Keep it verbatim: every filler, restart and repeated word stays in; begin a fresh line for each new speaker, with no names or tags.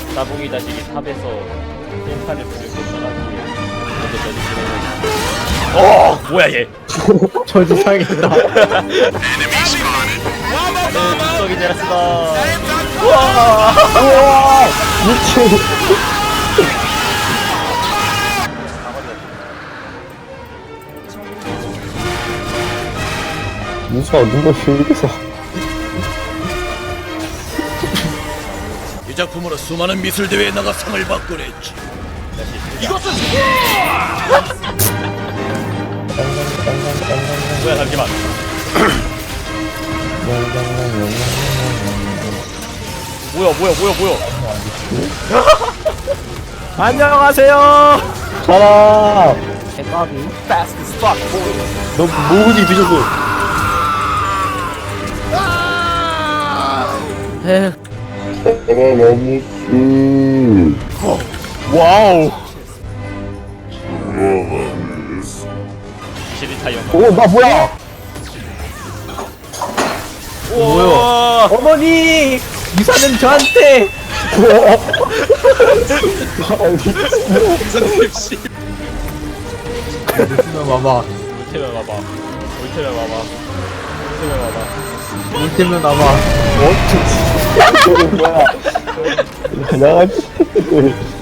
따봉이 자식이 탑에서 셀판을 부르고 떠나기 먼저 저지 진행을. 어 뭐야 얘.
저지상이다.
나는 축덕이 되었어.
우와 미친. 무서워 누가 여기서.
이 작품으로 수많은 미술 대회에 나가 상을 받곤 했지.
이것은 뭐야 잠시만. 뭐야 뭐야 뭐야 뭐야.
안녕하세요. 가라.
대박이 fast as fuck boy.
너 뭐지 뒤졌어. 와우.
시리타 영화.
오 나 뭐야?
뭐야?
어머니 유사는 저한테. 봐봐.
올테면 와봐. 올테면 와봐. 올테면 와봐.
울테면 나봐. 어? 뭐야? 나가.